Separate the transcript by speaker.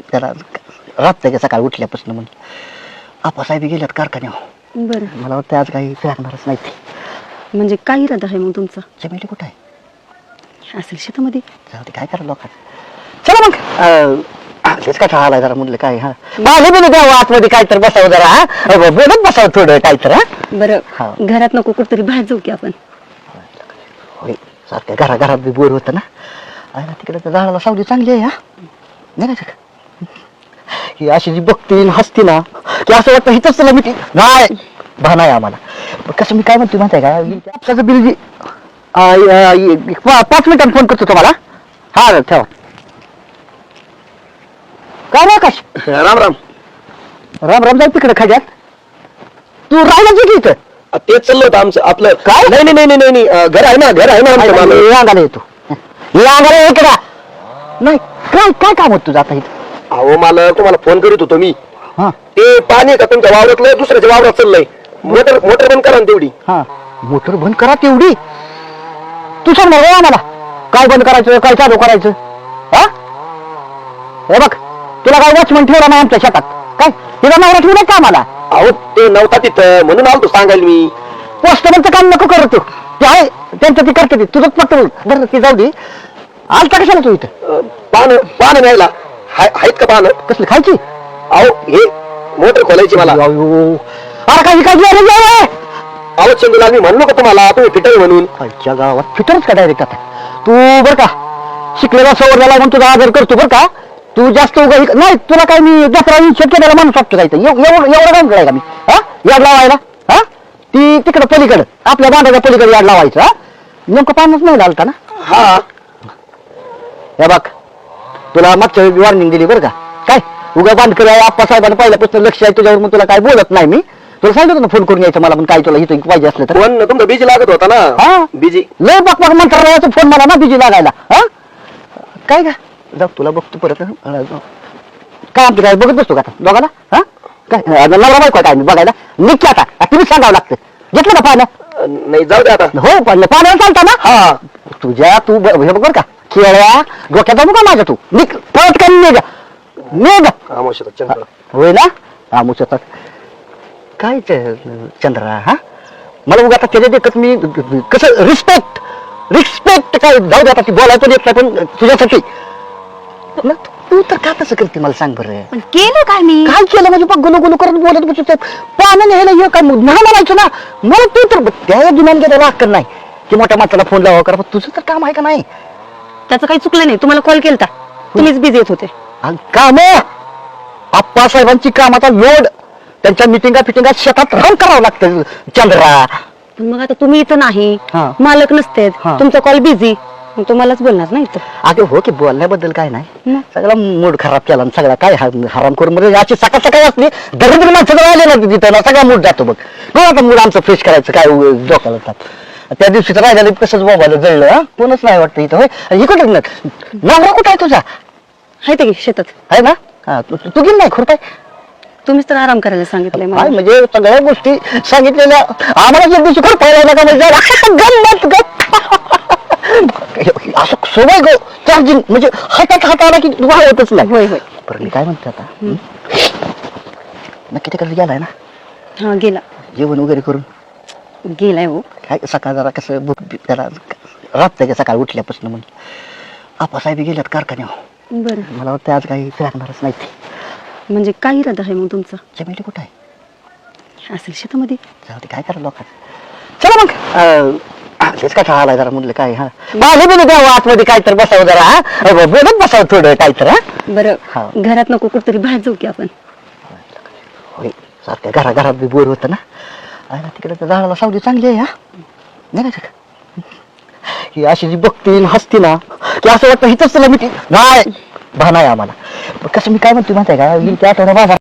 Speaker 1: त्याला रात्र सकाळी उठल्यापासून म्हणजे आपासाहेब गेल्यात कारखान्यावर.
Speaker 2: बरं,
Speaker 1: मला वाटतं आज काही फिरणारच नाही ते.
Speaker 2: म्हणजे काय इरादा आहे मग तुमचा?
Speaker 1: चमेली कुठं आहे?
Speaker 2: असेल शेतामध्ये.
Speaker 1: जाऊ दे, काय करा लोकांना. चला मग तेच काय आलाय जरा म्हणलं काय. हा माझे बी द्यावं आतमध्ये काय तर बसावं जरा. हा बोलत बसावं थोडं काय तर. हा
Speaker 2: बरं, घरात नको कुठतरी बाहेर जाऊ की आपण?
Speaker 1: होय, सारख्या घरात बी बोर होतं ना. आहे तिकडे तर झाडाला सावली चांगली आहे. हा नाही का ही अशी जी बघती हसती ना की असं वाटतं हिथंच तुला मी नाही भान आहे आम्हाला. पण कसं मी काय म्हणतो माहिती आहे का, आपसाचं बिल जी 5 मिनिटांनी फोन करतो तुम्हाला. हा ठेवा. काय रे आकाश?
Speaker 3: राम राम.
Speaker 1: राम राम. जाऊ तिकडे खाड्यात. तू राहिला की इथं?
Speaker 3: तेच चाललं होतं आमचं आपलं.
Speaker 1: काय?
Speaker 3: नाही नाही नाही नाही नाही घर आहे ना आमचं मालक.
Speaker 1: अंगाला येतो. अंगाला इकडे नाही. काय काय काम होत तुझं आता इथं?
Speaker 3: अहो मला तुम्हाला फोन करीत होतो मी.
Speaker 1: हा
Speaker 3: ते पाणी का तुमच्या वावरातलं दुसऱ्याच्या वावरात चाललंय. मोटर बंद करा ना तेवढी.
Speaker 1: हा मोटर बंद करा तेवढी. तू सांग ना रे आम्हाला काय बंद करायचं काय चालू करायचं. हा हे बघ तुला काय वॉचमन ठेवला नाही आमच्या शेतात काय? तिला नवरा ठेवला का आम्हाला?
Speaker 3: अहो ते नव्हता तिथं म्हणून आलतो सांगायला मी.
Speaker 1: पोस्टमनचं काम नको करतो ते आहे त्यांचं ती करते तुझं फक्त बरं ती जाऊ दे. आलता कशाला तू इथं?
Speaker 3: पानं न्यायला आहेत का पानं?
Speaker 1: कसली खायची?
Speaker 3: अहो हे मोटर खोलायची मला.
Speaker 1: अरे काही काय
Speaker 3: अहो चंदूला मी म्हणलो का तुम्हाला तुम्ही फिटर म्हणून.
Speaker 1: खायच्या गावात फिटरच का डायरेक्ट आता तू बरं का शिकलेला सवरलेला म्हणून तुझा आदर करतो बरं का. तू जास्त नाही तुला काय मी दसरा शेतकऱ्याला माणूस वाटतो जायचं एवढं काम करायला मी. हा याड लावायला. हा ती तिकडं पलीकडं आपल्या बांधाच्या पलीकडे याड लावायचं. हा नेमकं पाणच नाही लागता ना.
Speaker 3: हा
Speaker 1: हे बघ तुला मागच्या वेळी वॉर्निंग दिली बरं का. काय उगा बांधकर आहे आप्पासाहेबांना पहिल्यापासून लक्ष आहे तुझ्यावर मग तुला काय बोलत नाही मी. तुला सांगितलं ना फोन करून यायचं मला पण काय तुला इथं पाहिजे असलं तर.
Speaker 3: फोन तुमचा बिजी लागत होता
Speaker 1: हा.
Speaker 3: ना. बिजी
Speaker 1: लय बघ मंत्रालयाचा फोन मला ना बिजी लागायला. हा काय का जाऊ तुला बघतो परत. काय आमचं काय बघत बसतो का आता दोघाला? हा काय नवरा बायको काय मी बघायला निघते आता तुम्ही सांगावं लागतं. घेतलं ना पानं?
Speaker 3: नाही जाऊ दे आता.
Speaker 1: हो पण पाण्यावर चालता ना.
Speaker 3: हा
Speaker 1: तुझ्या तू हे बघ बरं का खेळ्या डोक्यात जाऊ का माझ्या तू निघ परत काय निघ.
Speaker 3: चंद्र
Speaker 1: होय ना आमुच्यात काय चंद्रा. हा मला उगा आता त्याच्या देखत मी कसं रिस्पेक्ट काय जाऊ दे आता ती बोलायचं देत नाही पण तुझ्यासाठी तू तर का तसं करते मला सांग बरं.
Speaker 2: पण केलं काय मी?
Speaker 1: काय केलं म्हणजे बघ गुलू करत बोलत बसत पाण्याने न्यायला ये काय नाही म्हणायचं ना. मला तू तर त्या दिनाला गेला अक्कल नाही की मोठ्या माणसाला फोन लावा करा. तुझं तर काम आहे का नाही?
Speaker 2: त्याचं काही चुकलं नाही. तुम्हाला कॉल केलता तुम्हीच बिझी येत होते.
Speaker 1: काम आप्पासाहेबांची कामाचा लोड त्यांच्या मिटिंगा शेतात राहून करावं लागतं चंद्रा.
Speaker 2: पण मग आता तुम्ही इथं नाही
Speaker 1: हा.
Speaker 2: मालक नसते
Speaker 1: हा.
Speaker 2: तुमचा कॉल बिझी तुम्हालाच बोलणार नाही इथं.
Speaker 1: अगं हो की बोलण्याबद्दल काय नाही
Speaker 2: मग?
Speaker 1: सगळा मूड खराब केला आणि सगळा काय हराम करून म्हणजे याची सकाळ असली दरिद्र माणसं आले ना तिथं ना सगळा मूड जातो बघ. हो आता मूड आमचं फ्रेश करायचं काय डोक्याला जात. त्या दिवशी तर राहिलेलं कसंच मोबाईल जळलं. हा कोणच नाही वाटतं इथं. होय हे कुठं नवरा कुठं आहे तुझा?
Speaker 2: आहे ते की शेतात. आहे
Speaker 1: ना हा तू गेली नाही खुरपाय.
Speaker 2: तुम्हीच तर आराम करायला सांगितलंय
Speaker 1: काय
Speaker 2: मला.
Speaker 1: म्हणजे सगळ्या गोष्टी सांगितलेल्या आम्हाला ज्या दिवशी खुरपायला का म्हणजे असं सवय गो चार्जिंग म्हणजे हातात आला की वाहतच नाही.
Speaker 2: होय होय.
Speaker 1: बरं मी काय म्हणते आता नक्की तिकडे गेलाय ना
Speaker 2: हा गेला.
Speaker 1: जेवण वगैरे करून
Speaker 2: गेलाय हो.
Speaker 1: काय सकाळ जरा कसं भूक त्याला रात्र सकाळी उठल्यापासून म्हणजे आपासाहेब गेल्यात कारखान्यावर.
Speaker 2: बरं,
Speaker 1: मला वाटतं आज काही फिरणारच नाही ते.
Speaker 2: म्हणजे काय इरादा आहे मग तुमचा?
Speaker 1: चमेली कुठं आहे?
Speaker 2: असेल शेतामध्ये.
Speaker 1: जाऊ दे, काय करा लोकांना. चला मग तेच काय आलाय जरा म्हणलं काय. हा माझे बी द्यावं आतमध्ये काय तर बसावं जरा. हा बोलत बसावं थोडं काय तर. हा
Speaker 2: बरं, घरात नको कुठतरी बाहेर जाऊ की आपण?
Speaker 1: होय, सारख्या घरात बी बोर होतं ना. आहे ना तिकडे तर झाडाला सावली चांगली आहे. हा नाही का ही अशी जी बघती हसती ना की असं वाटतं हिथंच तुला मी नाही भान आहे आम्हाला. कसं मी काय म्हणतो माहिती आहे का त्या आठवड्या बाजार